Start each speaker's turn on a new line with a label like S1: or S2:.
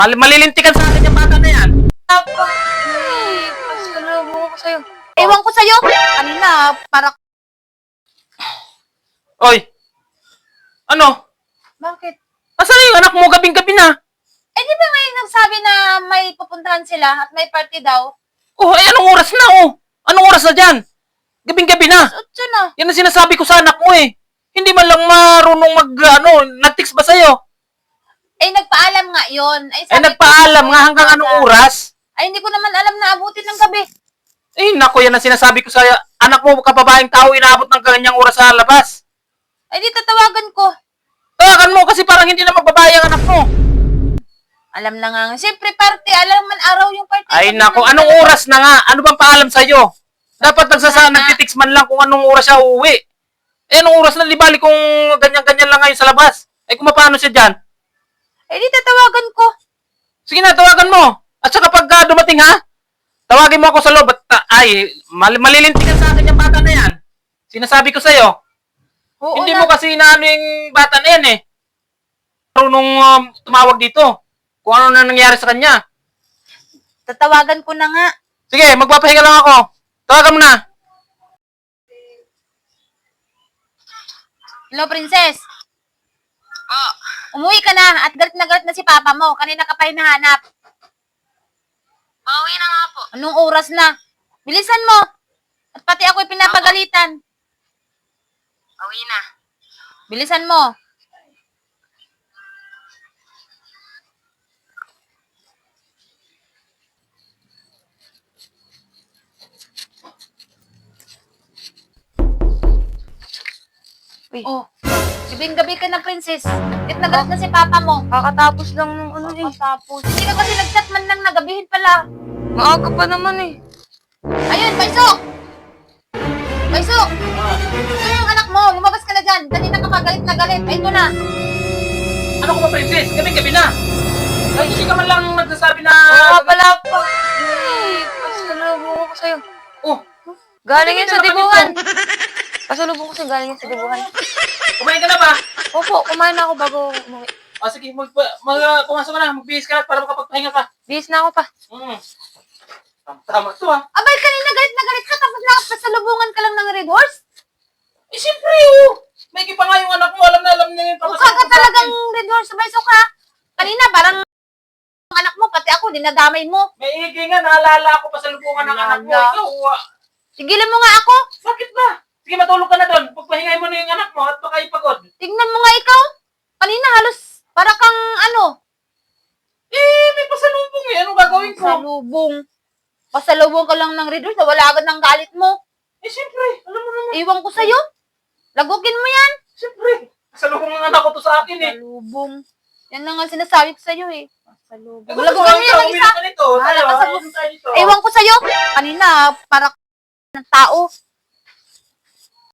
S1: Malilintikan sa akin yung bata na yan.
S2: Papa, pasalubong ko sa'yo. Ewan ko sa'yo. Kanina, para...
S1: Oy! Ano?
S2: Bakit?
S1: Asan yung anak mo gabing-gabi na?
S2: Eh, di ba ngayon nagsabi na may pupuntahan sila at may party daw?
S1: Oh, ay anong oras na oh? Anong oras na dyan? Gabing-gabi na.
S2: Otso na.
S1: Yan ang sinasabi ko sa anak mo eh. Hindi man lang marunong nag-text ba sa'yo?
S2: Eh, nagpaalam nga yun.
S1: Ay,
S2: sabi
S1: nagpaalam
S2: ko,
S1: nga hanggang anong oras?
S2: Ay, hindi ko naman alam na abutin ng gabi.
S1: Eh, naku, yan ang sinasabi ko sa anak mo, kababaeng tao, inaabot ng kanyang oras sa labas.
S2: Ay, di tatawagan ko.
S1: Tawagan mo kasi parang hindi na magbabae ang anak mo.
S2: Alam na nga. Siyempre, party. Alam man araw yung party.
S1: Ay, naku, anong oras na nga? Ano bang paalam sa'yo? Dapat nagtitext man lang kung anong oras siya uuwi. Eh, anong oras na, di bali kung ganyan-ganyan lang ngayon sa labas? Ay, kung paano siya dyan?
S2: Eh, di tatawagan ko.
S1: Sige na, tawagan mo. At saka pag dumating ha, tawagin mo ako sa loob. Malilintikan sa akin yung bata na yan. Sinasabi ko sa'yo.
S2: Oo
S1: Hindi
S2: na.
S1: mo kasi inaano yung bata na yan eh. Marunong tumawag dito. Kung ano na nangyari sa kanya.
S2: Tatawagan ko na nga.
S1: Sige, magpapahinga lang ako. Tawagan mo na.
S2: Hello, princess. Umuwi ka na at galit na si papa mo. Kanina ka pa hinahanap.
S3: Pauwi na nga po.
S2: Anong oras na? Bilisan mo. At pati ako'y pinapagalitan.
S3: Pauwi na.
S2: Bilisan mo.
S3: Uy.
S2: Oh, gabing-gabi ka na, princess. At nagalit na si papa mo.
S3: Kakatapos lang ng ano eh.
S2: Tapos, hindi ka kasi nag-chat man lang na gabihin pala.
S3: Maaga pa naman eh.
S2: Ayun, Baisok! Baisok! Ito yung anak mo. Lumabas ka na dyan. Kanina ka pa galit na galit. Ay, ito na.
S1: Ano ko ba, princess? Gabi-gabi na. Ay, hindi ka man lang nagsasabi na...
S3: Oo nga pala pa. Pasalubong ko sa'yo.
S1: Oh,
S3: Galing yan sa
S1: Hindi ka
S3: dibuhan. Pasalubong ko sa'yo, galing yan sa dibuhan.
S1: kumain ka na ba?
S3: Opo, kumain na ako bago umuwi.
S1: O sige, pumasok ka na. Magbihis ka na para makapagpahinga ka.
S3: Bihis na ako pa.
S1: Tama to ah.
S2: Abay, kanina galit na galit ka. Tapos nakapasalubungan ka lang ng Red Horse.
S1: Eh, siyempre oh. May pa nga yung anak mo. Alam na yung
S2: Mukha ka talagang Red Horse. Baisok ha. Kanina, parang ang anak mo, pati ako, dinadamay mo.
S1: May igi nga. Naalala ako pa sa lubungan ng anak mo.
S2: Naalala.
S1: Ikaw,
S2: Tigilan mo nga ako.
S1: bakit ba? Sige, matulog ka na doon. Pagpahingay mo na yung anak mo at baka ipagod.
S2: Tingnan mo nga ikaw. Kanina halos para kang ano.
S1: Eh, may pasalubong eh. Anong gagawin ko?
S2: Pasalubong. Pasalubong ka lang ng Red Horse. Wala agad ng galit mo.
S1: Eh, siyempre. Alam mo naman.
S2: Iwan ko sa'yo. Lagukin mo yan.
S1: Siyempre. Pasalubong ng anak ko to sa akin eh.
S2: Pasalubong. Yan na nga sinasabi ko sa'yo eh. Pasalubong.
S1: Eh, gusto
S2: Lagukin mo yan ng
S1: uwi
S2: isa.
S1: na ka nito.
S2: Bahala
S1: Tayo,
S2: ka sa
S1: uwi tayo nito.
S2: Ewan ko sa'yo. Kanina, para ng tao.